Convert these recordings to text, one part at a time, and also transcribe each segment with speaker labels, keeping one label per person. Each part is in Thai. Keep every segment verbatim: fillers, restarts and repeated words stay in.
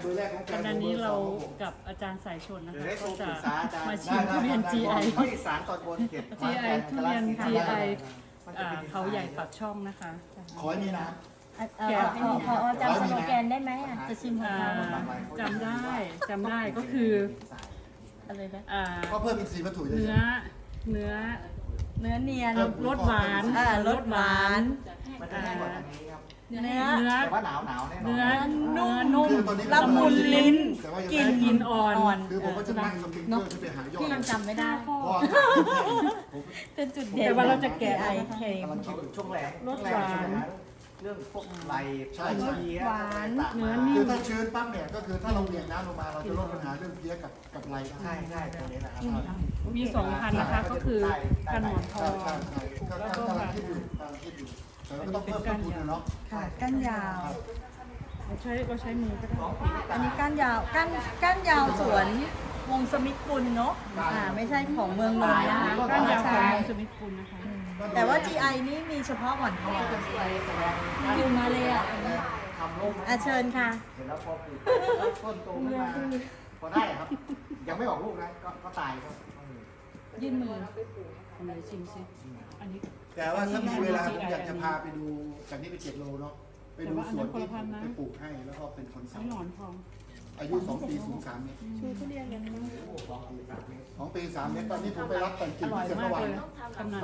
Speaker 1: เบอร์แรกของแฟน
Speaker 2: ขณะนี้เรากับอาจารย์สายชนนะ
Speaker 1: เดี๋ยว
Speaker 2: คะ
Speaker 1: ได้โทร
Speaker 2: ก็
Speaker 1: ป
Speaker 2: จะ
Speaker 1: รึกษาอาจารย์
Speaker 2: มาชิมทุเรียน จี ไอ
Speaker 1: ภาคอีสานตอนบนเขต
Speaker 2: จี ไอ ทุเรียน จี ไอ อ่าเขาใหญ่ปากช่องนะคะ
Speaker 1: ขอให้มีน้
Speaker 3: เออพอพอจำสโลแกนได้ไหมอ่ะจะชิมของ
Speaker 2: อ่า
Speaker 3: เขา
Speaker 2: จำได้จำได้ก็คือ
Speaker 3: อะไรนะ
Speaker 2: อ่า
Speaker 1: ำก็เพิ่มอินทรีย์วัตถุเย
Speaker 2: เนื้อ
Speaker 1: อะ
Speaker 2: เนื้อ
Speaker 3: เนื้อเนียน
Speaker 2: รสหวาน
Speaker 3: อ่ารสหวาน
Speaker 1: ๆมันจะแห้งกว่าทางนี้ครับ
Speaker 3: เนื้อ
Speaker 2: เนื้อ
Speaker 1: แต่ว่าหนาวหนาวแน่นอน
Speaker 2: เนื้อเนื้อนุ่ม
Speaker 1: คือตอนนี้
Speaker 3: ละมุนลิ้น
Speaker 1: แต่ว่ายัง
Speaker 3: กลิ่น
Speaker 1: ไม่
Speaker 2: กลินอ่อน
Speaker 3: อ่อน
Speaker 1: คือผมก็จะนั่งสปริงเกอร์ขึ้นไปหายอด
Speaker 3: ที่ยังจำไม่ได้
Speaker 1: เพราะว่าผม
Speaker 3: เป็นจุดเด่น
Speaker 2: แต่ว่าเราจะแกะ
Speaker 3: ไอเคม
Speaker 1: กำลังคิดอยู่ช่วงแรก
Speaker 2: รสหวาน
Speaker 1: เรื่องพวกไรใช่ใช่
Speaker 3: หวาน
Speaker 2: เนื้อนิ่
Speaker 1: คือ
Speaker 2: ม
Speaker 1: ถ้าชื้นปั๊บเนี่ยก็คือถ้าเราเวียงน้ำลงมาเราจะลดปัญหาเรื่องเพี้ยกับกับไรได้ใช่ใช่ตรงนี้นะครับ
Speaker 2: มีสองพันนะคะก็คือกันหมอนทอง
Speaker 1: ใช่ใช่ก็กำลังคิดอยู่กำลังคิดอยู่แต่เราก็ต้องเพิ่มต้นทุนนะเนาะ
Speaker 3: ค่ะก้านยาว
Speaker 2: เราใช้เราใช้มือก็ได้
Speaker 3: อันนี้ก้านยาวก้านก้านยาวสวนวงสมิทธกุลเนาะอ่าไม่ใช่ของเมืองนนท์นะคะ
Speaker 2: ก้านยาวของ
Speaker 3: ใช่
Speaker 2: สมิธกุลนะคะ
Speaker 3: แต่ว่า จี ไอ นี่มีเฉพาะหมอนทองอยู่มาเลยอ่ะ
Speaker 1: ทำลง
Speaker 3: อ่ะเชิญค่ะ
Speaker 1: เสร็จแล้วพอปลูกต้นโตขึ้นมาพอได้ครับ ยังไม่ออกลูกนะก็ก็ตายครับ
Speaker 2: ยื่นมือทำอะไรชิมสิอันนี้
Speaker 1: แต่ว่าถ้ามีเวลาผมอยากจะพาไปดูจากนี้ไปเจ็ดโลเนาะไปดูสวนที่ผมไปปลูกให้แล้วก็เป็นคนสา
Speaker 2: ไม่หนอนทอง
Speaker 1: อายุสองปีสูงสามเมตร
Speaker 2: ชูทุเรียนกันมาก
Speaker 1: สองปีสามเมตรตอนนี้ผมไปรับแต่ง
Speaker 2: อ
Speaker 1: กิ่ง
Speaker 2: ร่อย
Speaker 1: ที่เชียง
Speaker 2: มาก
Speaker 1: วา
Speaker 2: เลยกำนัน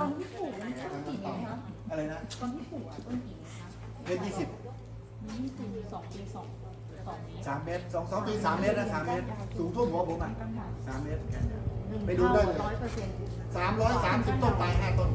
Speaker 1: อะไรนะตอนที่ปลูกต้นกี่เมตรยี่สิบ
Speaker 2: สองปีสองสองนี้
Speaker 1: สามเมตรสองสองปีสามเมตรนะสามเมตรสูงท่วมหัวผมอ่ะสามเมตรไปดูได้เลยสามร้อยสามสิบต้นตายห้าต้น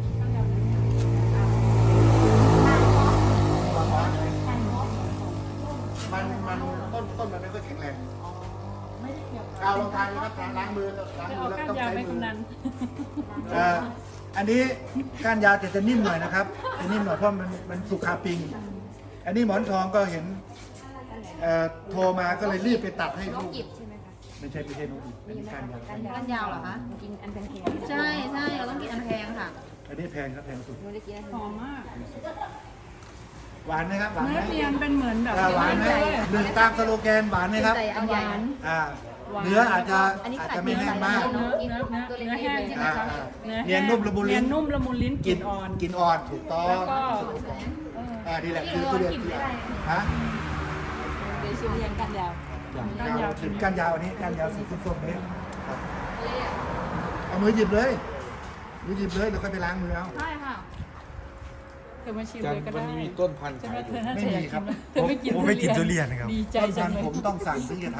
Speaker 1: มันมันต้นต้นมันไม่ค่อยแข็งแรงกาวลองทานนะครับทานล้างมือล้าง
Speaker 2: จะ
Speaker 1: มื
Speaker 2: เอา
Speaker 1: อแล้ว
Speaker 2: ก้าน
Speaker 1: ต้อง
Speaker 2: ยาว
Speaker 1: ใช้
Speaker 2: ไป
Speaker 1: มือ
Speaker 2: กำนัน
Speaker 1: เอ่ออันนี้ก้านยาวจะจะนิ่มหน่อยนะครับจะนิ่มหน่อยเพราะมันมันสุกคาปิง อันนี้หมอนทองก็เห็นเอ่อโทรมาก็เลยรีบไปตัดให้ลูกไม่ใช่ไม่ใช่นกอีกอันนี้ก้านยาว
Speaker 3: ก้านยาวเหรอคะ
Speaker 4: กินอันแพง
Speaker 3: ใช่ใช่เราต้องกินอันแพงค่ะ
Speaker 1: อันนี้แพงครับแพงสุด
Speaker 4: ๆไม่ได้กินอัน
Speaker 2: หอมมาก
Speaker 1: หวานไหมครับหวานไหม
Speaker 2: เนื้อเนียนเป็นเหมือนแบบ
Speaker 1: อ่าหวานไหมหนึ่งตามสโลแกนหวานไหมครับ
Speaker 4: ใส่อันใหญ่
Speaker 1: อ่าเนื้ออาจจะ
Speaker 4: อันนี้
Speaker 1: อาจ
Speaker 4: ใส่
Speaker 1: จะไม่แห้งมาก
Speaker 2: เนื้อเนื้อเนื้อเนื้อแห้งใช่ไหมคะ
Speaker 1: อ่า
Speaker 2: เนื้อ
Speaker 1: เนียนนุ่มละมุนลิ้น
Speaker 2: เนียนนุ่มละมุนลิ้นก
Speaker 1: กิ
Speaker 2: ลิ่
Speaker 1: น
Speaker 2: นอ่อน
Speaker 1: กินอ่อนถูกต้อ
Speaker 2: แล้ว
Speaker 1: ง
Speaker 2: ก็
Speaker 1: อ่านี่แหละคือทุเรียนที่ฮะ
Speaker 4: เดี๋ยวชิมเรียนกันยาว
Speaker 1: ก้านยาวถึงก้านยาวอันนี้ก้านยาวสีส้มๆนี้ครับเอามือหยิบเลยมือหยิบเลยแล้วก็ไปล้างมือเอา
Speaker 4: ใช่ค่ะ
Speaker 2: เธอมาชิม
Speaker 5: จั
Speaker 2: เล
Speaker 5: น
Speaker 2: ยก็
Speaker 5: วั
Speaker 2: ได้
Speaker 5: นนี้มีต้นพันธุ์
Speaker 2: ใช่ไหม
Speaker 5: ขายอ
Speaker 2: เธ
Speaker 5: ยู่
Speaker 2: อน่า
Speaker 1: ไม่
Speaker 2: จะ
Speaker 1: มี
Speaker 2: อยาก
Speaker 1: ครับ
Speaker 2: เธอไม่กิน
Speaker 5: ผมไม่กินทุเรียนครับ
Speaker 2: ดีใจ
Speaker 1: ต้น
Speaker 2: จั
Speaker 1: พั
Speaker 2: ง
Speaker 1: น
Speaker 2: เล
Speaker 1: ธุ์
Speaker 2: ย
Speaker 1: ผมต้องสั่งถึงจะท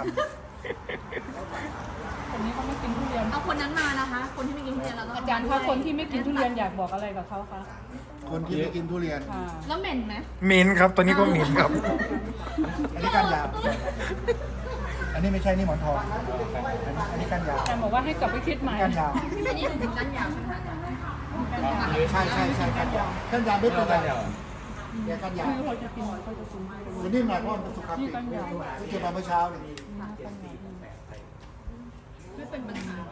Speaker 2: คนนี้เขาไม่กินทุเรียน
Speaker 4: เอาคนนั้นมานะคะ คนที่ไม่กินทุเรียนเราต้อง
Speaker 2: อาจารย์คะคนที่ไม่กินทุเรียนอยากบอกอะไรกับเขาคะ
Speaker 1: ำคนที่ไม่กินทุเรียน
Speaker 2: ค่ะ
Speaker 4: แล้วเหม็นไหม
Speaker 5: เหม็นครับตอนนี้ก็เหม็นครับ
Speaker 1: อันนี้ก้านยาว อันนี้ไม่ใช่นี่หมอนทอง อันนี้อันนี้ก้านยาว
Speaker 2: อาจารย์บอกว่าให้กลับไปคิดใหม่
Speaker 1: ก้านยาว
Speaker 4: อันนี้ถึงก้านยาวใช่ไหมคะ
Speaker 1: ใช่ใช่ใช่ก้านยาวก้านยาวไม่เป็นไรเนี่ยก้านยาว
Speaker 2: คือเขาจะกินเขาจะกิน
Speaker 1: มันนิ่มหน่อยเพราะมันเป็นสุขภาพ
Speaker 2: นี่
Speaker 1: ดี
Speaker 2: ก้านยาว
Speaker 1: ที่เก็บมาเมื่อเช้าเนี่ย
Speaker 4: ไม่เป็นปัญหา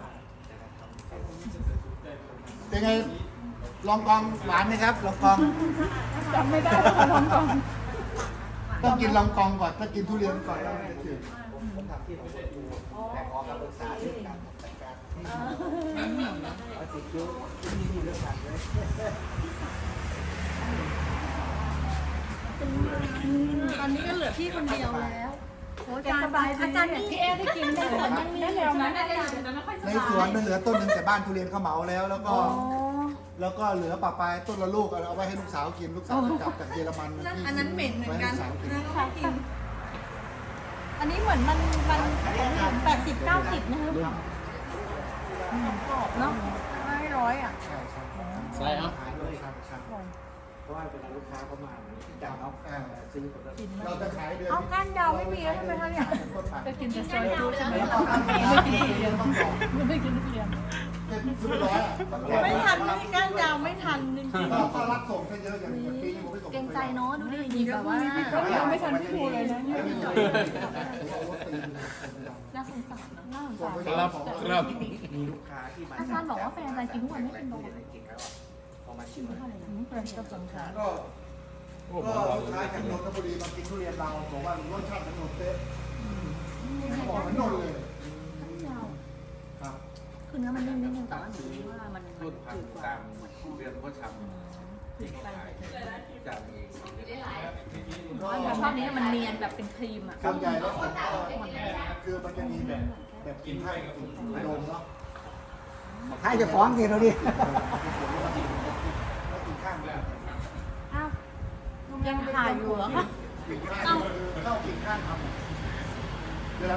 Speaker 1: เป็นไง ลองกองหวานไหมครับ ลองกอง
Speaker 2: จำไม่ได้แล้วค่ะน้องกอง
Speaker 1: ต้องกินลองกองก่อน ถ้ากินทุเรียนก่อนแล้วมันจะจืดผมทำที่ผมดูแต่ขอคำปรึกษาเรื่องการจัดการเอาสิคิ้วที่นี่เรื่องการเลย
Speaker 3: ตอนนี้ก็เหลือพี่คนเดียวแล้วโอ้อาจารย์อาจารย์นี่
Speaker 2: พี่เอได้กินได้ผลยังมีแนวไหม
Speaker 1: ในสวนมันเหลือต้นหนึ่งแต่บ้านทุเรียนเขาเหมาแล้ว แล้วก็ แล้วก็เหลือปลาปลายต้นละลูกเอาไว้ให้ลูกสาวกิน ลูกสาวกลับจากเยอรมัน
Speaker 3: อันนั้นเหม็นเหมือนกัน
Speaker 1: ไว้ให้ลูกสาวกิน
Speaker 3: นะคะกินอันนี้เหมือนมันมันแปดสิบเก้าสิบนะคะกรอบเนาะไม่ร้อยอ่ะ
Speaker 1: ใช่ใช่
Speaker 5: ใช่ครับ
Speaker 1: ขายด้วยครับใช่เพราะว่าเวลาลูกค้าเขามาจะเอาเอ่อซื้อผลเราจะขายเดือน
Speaker 3: เอาก้านยาวไม่มีแล้วใช่ไหมคะเนี่ย
Speaker 2: จะกินแต่ซอยจุใช่ไหม
Speaker 1: แล้วก็ทำเองไม่กินทุเรียนต้องบอก
Speaker 2: ไม่กินทุเรียน
Speaker 1: ซื้อร้อยอ่ะต้องบอก
Speaker 3: ไม่ทันไม่ก้านยาวไม่ทันจริง
Speaker 1: ถ้ารับส่งถ้าเยอะอย่างอย่างปีนี้ผมไม่ส่ง
Speaker 4: เกรงใจเนาะดูดิหยิบแบบว่า
Speaker 2: ก็ยังไม่ทันพี่ภูเลยนะเนี่ย
Speaker 4: น่าสงสารน่าสง
Speaker 1: ส่ง
Speaker 4: สาร
Speaker 1: ไป
Speaker 5: ครับครับ
Speaker 1: มีลูกค้าที่มา
Speaker 4: อาจารย์บอกว่าแฟนอาจารย์กินทุกวันไม่เป็นโรค
Speaker 1: พอมาชิม
Speaker 2: เป็นกระสงสาร
Speaker 1: ก็ก็ลูกค้าจากนนทบุรีมากินทุเรียนเราบอกว่ารสชาติเหมือนนนเป๊ะ
Speaker 2: จืดกว่า
Speaker 6: ตามเรื่องเขาทำที่เขาขายจากเอง
Speaker 4: แต่ชอบนี้มันเนียนแบบเป็นครีมอ่ะ
Speaker 1: ส่วนใหญ่แล้วผมก็คือมันจะมีแบบแบบกินไผ่สุดโดมเนาะ
Speaker 7: ให้จะฟ้องทีเราดิ
Speaker 1: แล้วกินข้างแบบ
Speaker 3: อ้าวยังถ่ายอยู่เหรอคะ
Speaker 1: กินข้างเข้ากินข้างทำ